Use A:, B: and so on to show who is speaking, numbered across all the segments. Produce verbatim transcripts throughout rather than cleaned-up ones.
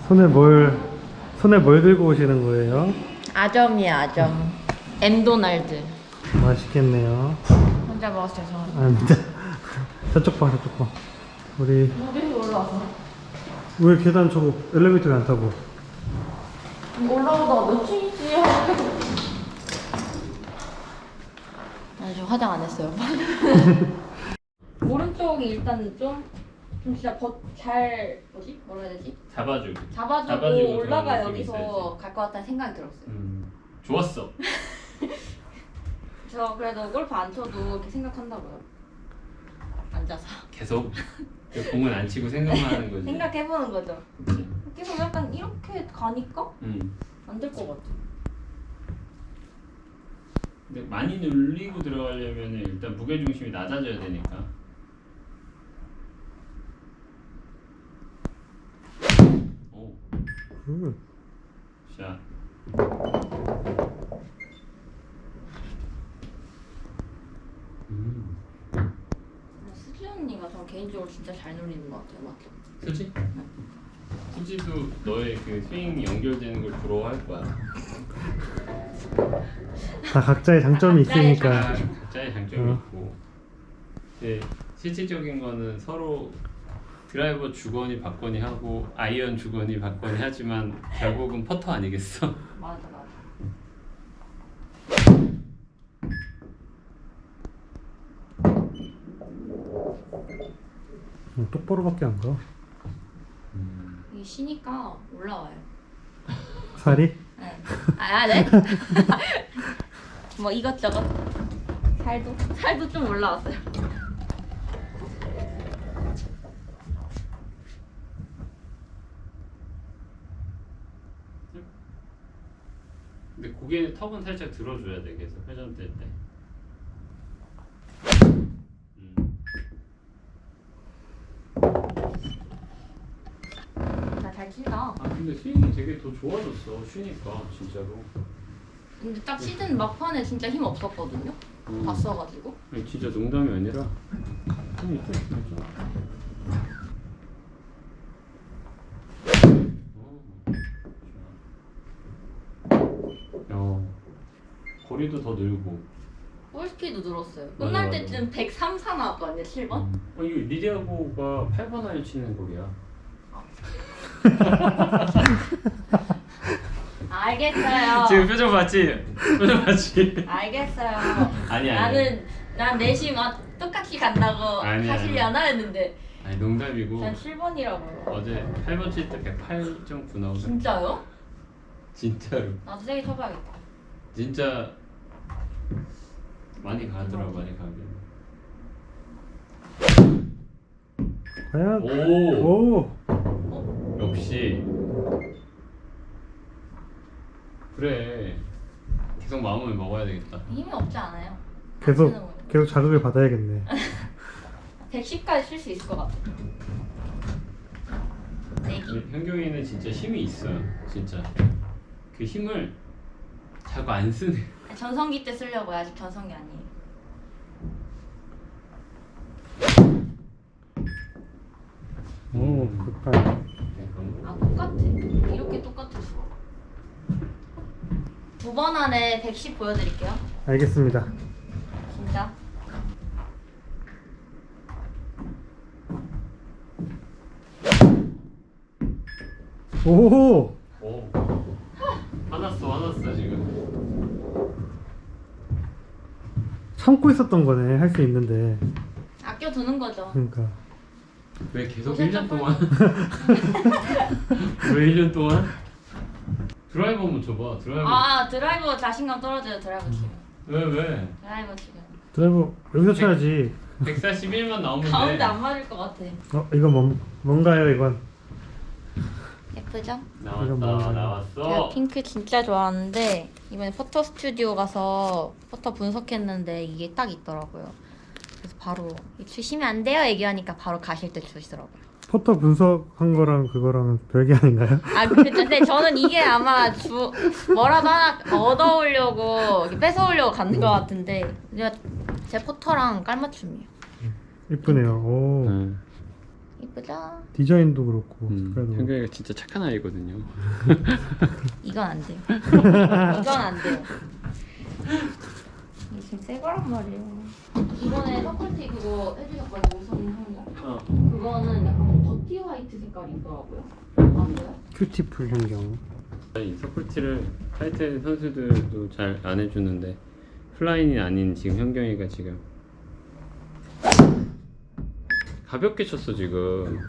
A: 손에 뭘 손에 뭘 들고 오시는 거예요?
B: 아점이야 아점. 엠도날드.
A: 맛있겠네요.
B: 혼자 먹어서 죄송합니다.
A: 아닙니다. 저쪽 봐, 저쪽 봐. 우리
B: 우리 올라왔어.
A: 왜 계단 저거 엘리베이터에 안 타고?
B: 올라오다 몇 층이지 하고. 나 지금 화장 안 했어요. 오른쪽이 일단 좀, 좀 진짜 버, 잘 뭐지? 뭐라 해야 되지?
C: 잡아주고.
B: 잡아주고,
C: 잡아주고
B: 올라가
C: 그런 느낌이
B: 여기서
C: 있어야지.
B: 갈 것 같다는 생각이 들었어요.
C: 음, 좋았어.
B: 저 그래도 골프 안 쳐도 이렇게 생각한다고요. 앉아서
C: 계속 그 공은 안 치고 생각만 하는 거지.
B: 생각해보는 거죠.
C: 그치?
B: 계속 약간 이렇게 가니까
C: 음.
B: 안 될 것 같아.
C: 근데 많이 눌리고 들어가려면 일단 무게 중심이 낮아져야 되니까. 오,
A: 음.
C: 샷. 음.
B: 수지 언니가 전 개인적으로 진짜 잘 놀리는 것 같아요. 맞죠?
C: 수지? 수지도 너의 그 스윙 연결되는 걸 부러워할 거야.
A: 다 각자의 장점이
B: 각자의
A: 있으니까.
C: 아, 각자의 장점이
A: 어.
C: 있고. 근데 실질적인 거는 서로 드라이버 주거니 받거니 하고 아이언 주거니 받거니 하지만 결국은 퍼터 아니겠어?
B: 맞아 맞아.
A: 음, 똑바로밖에 안 가.
B: 이게 쉬니까 올라와요.
A: 살이?
B: 네. 아, 네? 뭐 이것저것 살도 살도 좀 올라왔어요.
C: 근데 고개 턱은 살짝 들어줘야 돼 계속 회전될 때. 음.
B: 나 잘 친다.
C: 아 근데 스윙이 되게 더 좋아졌어 쉬니까 진짜로.
B: 근데 딱 시즌 막판에 진짜 힘 없었거든요.
C: 음.
B: 봤어가지고.
C: 아니, 진짜 농담이 아니라 힘이 있어 진짜. 어. 거리도 더 늘고.
B: 볼스피드 늘었어요.
C: 맞아,
B: 끝날
C: 맞아.
B: 때쯤 백삼, 사 나왔거든요. 칠 번.
C: 음. 어 이거 리디아고가 팔 번 아이언 치는 거리야.
B: 알겠어요.
C: 지금 표정 봤지? 표정 봤지?
B: 알겠어요.
C: 아니 아니.
B: 나는 난 내심 아, 똑같이 간다고
C: 아니,
B: 하시려나 했는데
C: 아니 농담이고.
B: 난 칠 번이라고요.
C: 어제 팔 번 칠 때 백팔 점 구 나오더라.
B: 진짜요?
C: 진짜로.
B: 나도 세게 쳐봐야겠다.
C: 진짜 많이 가더라 많이 가긴.
A: 과연?
C: 오.
A: 오.
C: 역시. 그래. 계속 마음을 먹어야 되겠다.
B: 힘이 없지 않아요?
A: 계속 계속 자극을 받아야겠네.
B: 백십까지 칠 수 있을 것 같아. 내기.
C: 현경이는 진짜 힘이 있어요. 진짜. 그 힘을 자꾸 안 쓰네.
B: 전성기 때 쓰려고요. 아직 전성기 아니에요.
A: 오, 그까이.
B: 아 똑같아. 이렇게 똑같았어. 두 번 안에 백십 보여드릴게요.
A: 알겠습니다.
B: 진짜.
A: 오.
C: 오. 화났어 화났어 지금.
A: 참고 있었던 거네. 할 수 있는데.
B: 아껴두는 거죠.
A: 그러니까.
C: 왜 계속
B: 요새
C: 일 년
B: 좀
C: 동안? 왜 일 년 동안? 드라이버 한번 줘봐. 드라이버.
B: 아 드라이버 자신감 떨어져요. 드라이버 치면.
C: 왜 왜?
B: 드라이버 치면.
A: 드라이버 여기서 쳐야지.
C: 백사십일만 나오면
B: 가운데
C: 돼.
B: 안 맞을 것 같아.
A: 어, 이건 뭔, 뭔가요, 이건?
B: 예쁘죠?
C: 나왔다
A: 이건 뭐야?
B: 제가
C: 나왔어.
B: 핑크 진짜 좋아하는데 이번에 포터 스튜디오 가서 포터 분석했는데 이게 딱 있더라고요. 그래서 바로 주시면 안 돼요 얘기하니까 바로 가실 때 주시더라고요.
A: 포터 분석한 거랑 그거랑은 별개 아닌가요?
B: 아 그쵸. 근데 저는 이게 아마 주 뭐라도 하나 얻어오려고 이렇게 뺏어오려고 갖는 것 같은데 제 포터랑 깔맞춤이에요.
A: 이쁘네요. 오.
C: 응.
B: 이쁘죠? 짜잔.
A: 디자인도 그렇고
C: 음,
A: 색깔도 그렇고.
C: 현경이가 진짜 착한 아이거든요.
B: 이건 안 돼요. 이건 안 돼요. 이게 지금 새 거란 말이에요. 이번에 서클티 그거 해주셨거든요. 우선 한 거.
C: 어.
B: 그거는 약간 더티 화이트 색깔이 있더라고요. 안 보여?
A: 큐티풀 현경.
C: 이 서플티를 타이틀 선수들도 잘 안 해주는데 플라인이 아닌 지금 현경이가 지금 가볍게 쳤어 지금.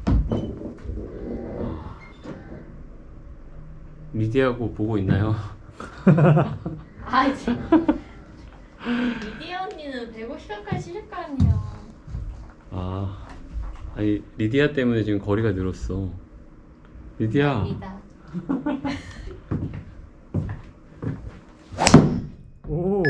C: 리디하고 보고 있나요?
B: 아 이제 리디아 언니는 백오십 회까지 치실 거 아니에요.
C: 아, 아니 리디아 때문에 지금 거리가 늘었어. 리디아.
B: 리다.
A: 오.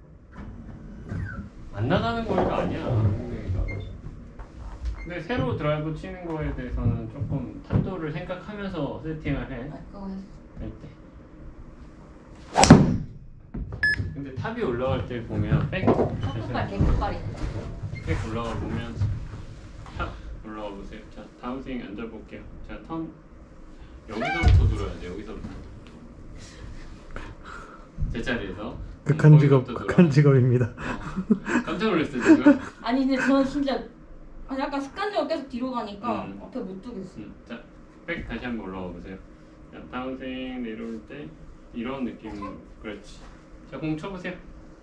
C: 안 나가는 거리가 아니야. 현경이가. 근데 새로 드라이브 치는 거에 대해서는 조금 탄도를 생각하면서 세팅을 해.
B: 아 그거 했어.
C: 할 때. 근데 탑이 올라갈 때 보면 백
B: 첫발 개급발이.
C: 백 올라가 보면 탑 올라가 보세요. 자 다음 스윙 앉아 볼게요. 자 턴 여기서부터 들어야 돼. 여기서부터 제자리에서
A: 극한 직업,
C: 거기서부터
A: 극한
C: 들어.
A: 직업입니다.
C: 어, 깜짝 놀랐어 지금.
B: 아니 근데 저는 진짜 아니 약간 습관적으로 계속 뒤로 가니까
C: 음.
B: 앞에 못 두겠어.
C: 음, 자, 백 다시 한번 올라가 보세요. 자, 다운스윙 내려올 때 이런 느낌. 그렇지. 자, 공 쳐보세요.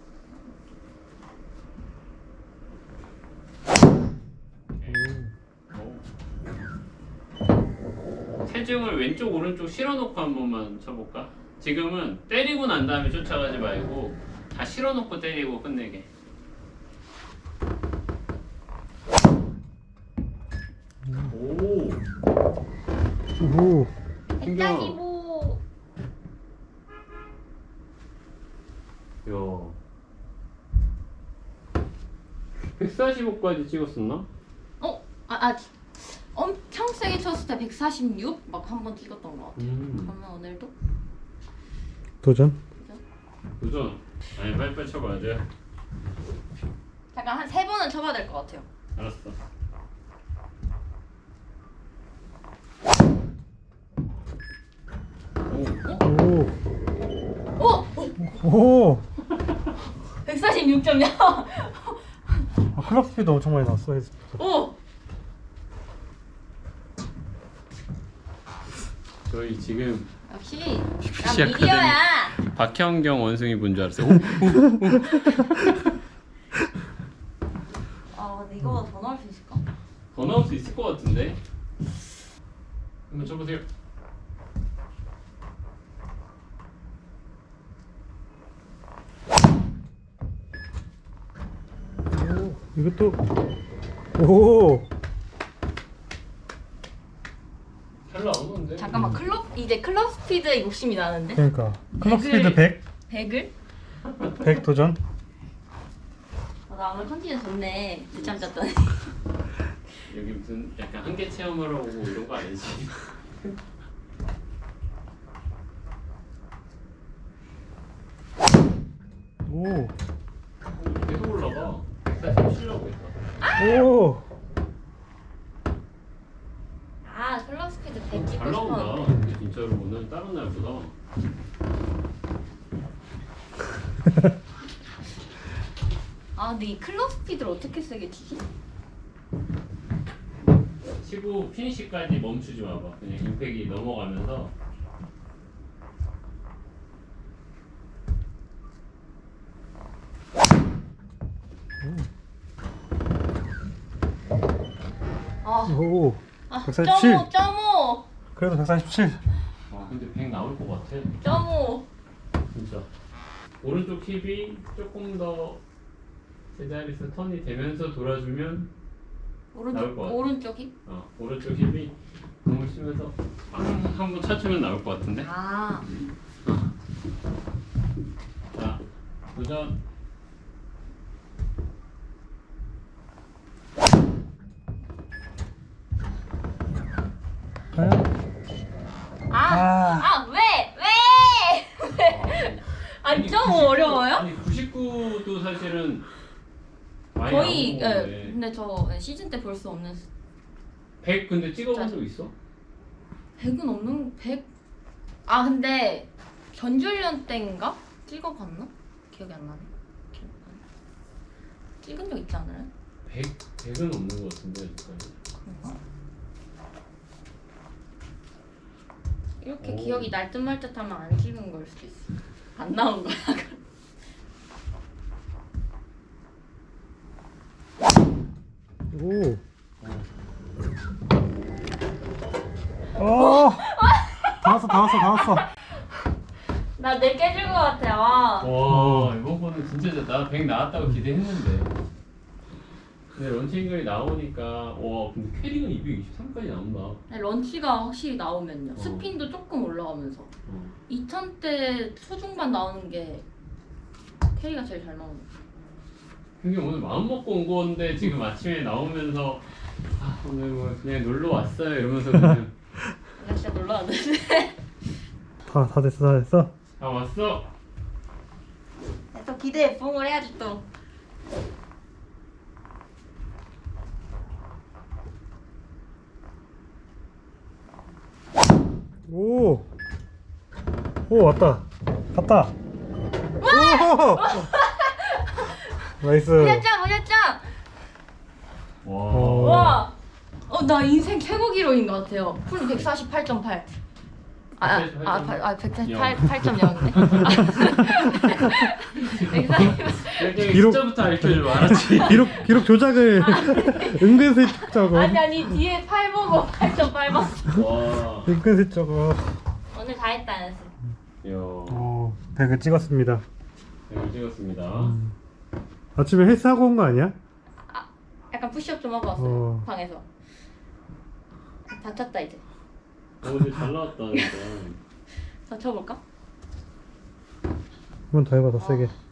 C: 오. 체중을 왼쪽 오른쪽 실어놓고 한 번만 쳐볼까? 지금은 때리고 난 다음에 쫓아가지 말고 다 실어놓고 때리고 끝내게. 오.
A: 오.
B: 백장이보.
C: 야. 백사십오까지 찍었었나?
B: 어? 아, 아 엄청 세게 쳤을 때 백사십육 막 한 번 찍었던 것 같아.
C: 음.
B: 그러면 오늘도
A: 도전.
C: 도전. 아니 빨리빨리 쳐봐야 돼.
B: 잠깐 한 세 번은 쳐봐야 될 것 같아요.
C: 알았어. 오.
A: 오.
B: 오!
A: 오.
B: 백사십육 점이야.
A: 아, 클럽 스피드 엄청 많이 났어.
B: 오!
C: 저희 지금
B: 역시
C: 빅피시
B: 난 미디어야.
C: 박현경 원숭이 분 줄 알았어요. 오, 오, 오.
B: 아 근데 이거보다 더 나올 수 있을까?
C: 더 나올 수 있을 것 같은데. 한번 쳐보세요.
A: 오. 이것도. 오.
C: 잘 나오는데.
B: 잠깐만 클럽 이제 클럽 스피드에 욕심이 나는데?
A: 그러니까 클럽
B: 백을-
A: 스피드 백.
B: 백을?
A: 백 도전.
B: 아, 나 오늘 컨디션 좋네. 늦잠 잤더니.
C: 여기 무슨 약간 한계 체험하러 오고 이런 거 아니지?
A: 오.
C: 계속 올라가. 백사십칠라고 했다.
A: 오.
B: 아 클럽 스피드 백
C: 잘
B: 찍고
C: 나온다.
B: 싶었는데.
C: 근데 진짜로 오늘 다른 날보다.
B: 아 근데 이 클럽 스피드를 어떻게 세게 치지?
C: 치고 피니시까지 멈추지 마봐. 그냥 임팩이 넘어가면서.
B: 아,
A: 오.
B: 아
A: 백사십칠.
B: 점오 점오
A: 그래도 백사십칠.
C: 아 근데 백 나올 것 같아.
B: 점오.
C: 진짜. 오른쪽 힙이 조금 더 제자리에서 턴이 되면서 돌아주면 나올
B: 오른쪽
C: 것 같아.
B: 오른쪽이?
C: 어, 오른쪽 힙이 공을 치면서 한번 차주면 나올 것 같은데.
B: 아
C: 자, 도전.
A: 과연?
B: 아,
A: 아.
B: 아, 왜? 왜? 왜? 아니, 좀 어려워요?
C: 아니 구십구도 사실은 많이
B: 거의,
C: 나온
B: 예,
C: 건데.
B: 근데 저 시즌 때 볼 수 없는
C: 백 근데 찍어본 적 있어?
B: 백은 없는 백. 아 근데 전주련 때인가 찍어봤나? 기억이 안 나네. 기억 안 나. 찍은 적 있지 않아요?
C: 백 백은 없는 것 같은데 여기까지.
B: 그런가? 이렇게
C: 오.
B: 기억이 날 듯 말 듯하면 안 찍은 걸 수도 있어. 안 나온 거야.
A: 오. 어. 다 왔어, 다 왔어, 다 왔어.
B: 나 내 깨질 것 같아. 와.
C: 와 이번 거는 진짜 나 백 나왔다고 기대했는데. 근데 런칭글이 나오니까 와 근데 캐릭은 이백이십삼까지 나온다.
B: 런치가 확실히 나오면요.
C: 어.
B: 스핀도 조금 올라가면서
C: 어.
B: 이천 대 초중반 나오는 게 캐리가 제일 잘 나오는 거.
C: 근데 오늘 마음 먹고 온 건데 지금 아침에 나오면서 아 오늘 뭐 그냥 놀러 왔어요 이러면서 그냥
B: 나 진짜 놀러 왔는데.
A: 다, 다 됐어, 다 됐어.
C: 아 왔어.
B: 또 기대에 부응을 해야지 또.
A: 오. 오, 왔다. 갔다. 오. 나이스.
B: 보셨죠? 보셨죠?
C: 와.
A: 어.
B: 와. 어, 나 인생 최고 기록인 것 같아요. 풀 백사십팔 점 팔. 아, 아, 아, 아, 백사십팔 점 영이네.
C: 일정이
A: 기록-
C: 숫자부터 알려줄 줄 알았지.
A: 기록, 기록 조작을 은근슬쩍 적어.
B: 아니 아니 뒤에 팔 보고 팔 점 팔 번.
C: 와.
A: 은근슬쩍 적어.
B: 오늘 다 했다 연습.
C: 이야.
A: 오, 백을 찍었습니다.
C: 잘 찍었습니다.
A: 음. 아침에 헬스하고 온 거 아니야?
B: 약간 푸시업 좀 하고 왔어요.
A: 어.
B: 방에서. 다쳤다 이제.
C: 어 근데 잘 나왔다 진짜.
B: 더 쳐볼까?
A: 한 번 더 해봐, 더 세게.